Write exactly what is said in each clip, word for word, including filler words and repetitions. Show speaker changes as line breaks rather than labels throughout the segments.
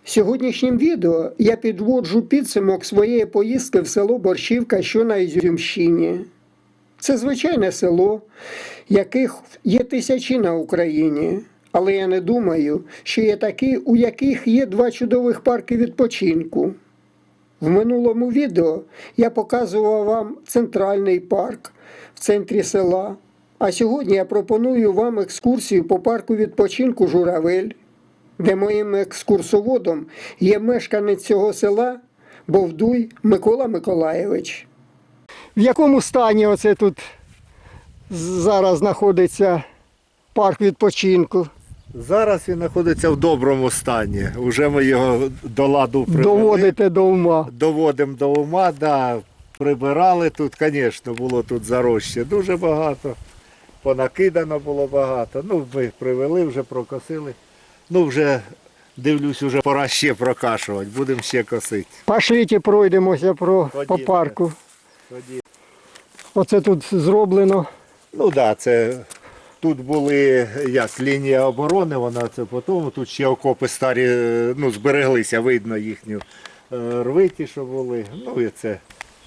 Сьогоднішнім відео я підводжу підсумок своєї поїздки в село Борщівка, що на Ізюмщині. Це звичайне село, яких є тисячі на Україні. Але я не думаю, що є такі, у яких є два чудових парки відпочинку. В минулому відео я показував вам центральний парк в центрі села. А сьогодні я пропоную вам екскурсію по парку відпочинку «Журавель», де моїм екскурсоводом є мешканець цього села Бовдуй Микола Миколайович. В якому стані оце тут зараз знаходиться парк відпочинку?
Зараз він знаходиться в доброму стані. Уже ми його до ладу привели.
Доводите до ума.
Доводимо до ума, да. Прибирали тут, звісно, було тут зарощі дуже багато. Понакидано було багато. Ну, ми привели, вже прокосили. Ну, вже, дивлюсь, вже пора ще прокашувати. Будемо ще косити.
Пошліть і пройдемося про, по парку.
Тоді.
Оце тут зроблено.
Ну так, да, це тут були як лінія оборони, вона це потім. Тут ще окопи старі, ну, збереглися, видно їхню рвиті, що були. Ну і це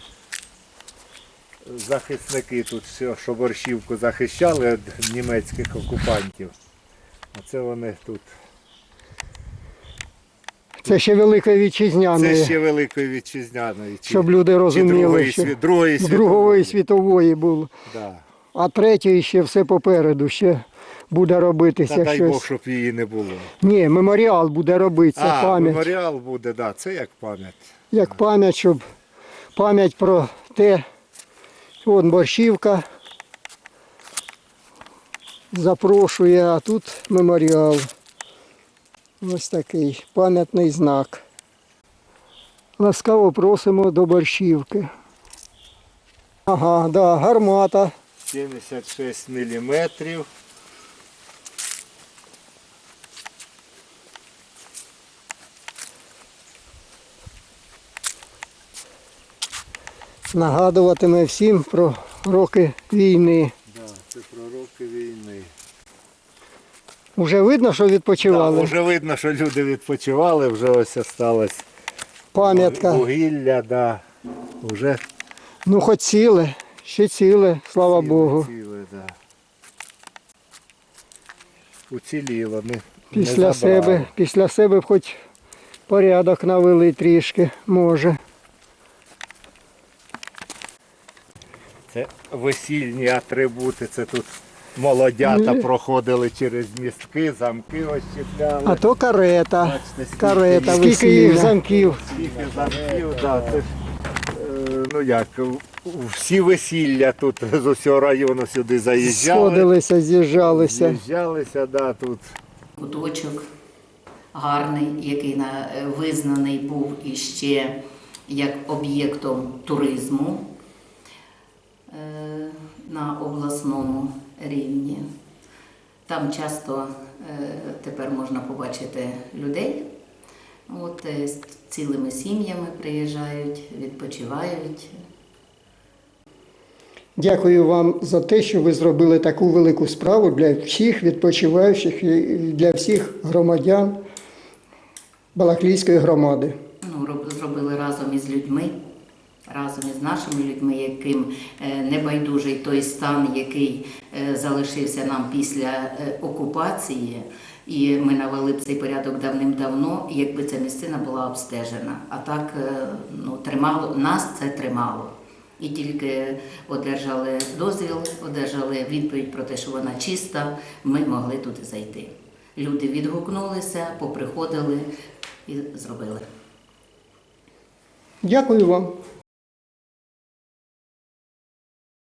захисники тут, що Борщівку захищали від німецьких окупантів. Оце вони тут.
Це ще Великої Вітчизняної.
Це ще Великої Вітчизняної. Чи,
щоб люди розуміли,
Другої,
що
світ, Другої
з Другої світової було.
Да.
А третьої ще все попереду, ще буде робитися
Та дай
щось.
Бог, щоб її не було.
Ні, меморіал буде робитися,
А,
пам'ять.
меморіал буде, да, це як пам'ять.
Як пам'ять, щоб пам'ять про те, вон Борщівка запрошує, а тут меморіал. Ось такий пам'ятний знак. Ласкаво просимо до Борщівки. Ага, да, гармата.
сімдесят шість міліметрів.
Нагадуватиме всім про роки війни.
Да, це про роки війни.
Уже видно, що відпочивали?
Да, вже видно, що люди відпочивали, вже ось осталось
Пам'ятка.
вугілля, да. Уже
Ну, хоч ціле, ще ціле, слава
ціле,
Богу.
ціле, да. Уціліло, не,
Після
не забрали.
себе, після себе б хоч порядок навели трішки, може.
Це весільні атрибути, це тут молодята
Ну,
проходили через містки, замки ощепляли.
А то карета.
Бачите, скільки
Карета,
їх.
скільки їх замків.
Скільки замків, да, це ж, е, ну як, всі весілля тут з усього району сюди заїжджали.
Сходилися, з'їжджалися.
З'їжджалися, да, тут.
Куточок гарний, який на- визнаний був іще як об'єктом туризму е, на обласному рівні. Там часто е, тепер можна побачити людей. От, е, з цілими сім'ями приїжджають, відпочивають.
Дякую вам за те, що ви зробили таку велику справу для всіх відпочиваючих і для всіх громадян Балаклійської громади.
Ну, роб- зробили разом із людьми, разом із нашими людьми, яким е, небайдужий той стан, який е, залишився нам після е, окупації. І ми навели б цей порядок давним-давно, якби ця місцина була обстежена. А так, е, ну, тримало, нас це тримало. І тільки одержали дозвіл, одержали відповідь про те, що вона чиста, ми могли туди зайти. Люди відгукнулися, поприходили і зробили.
Дякую вам.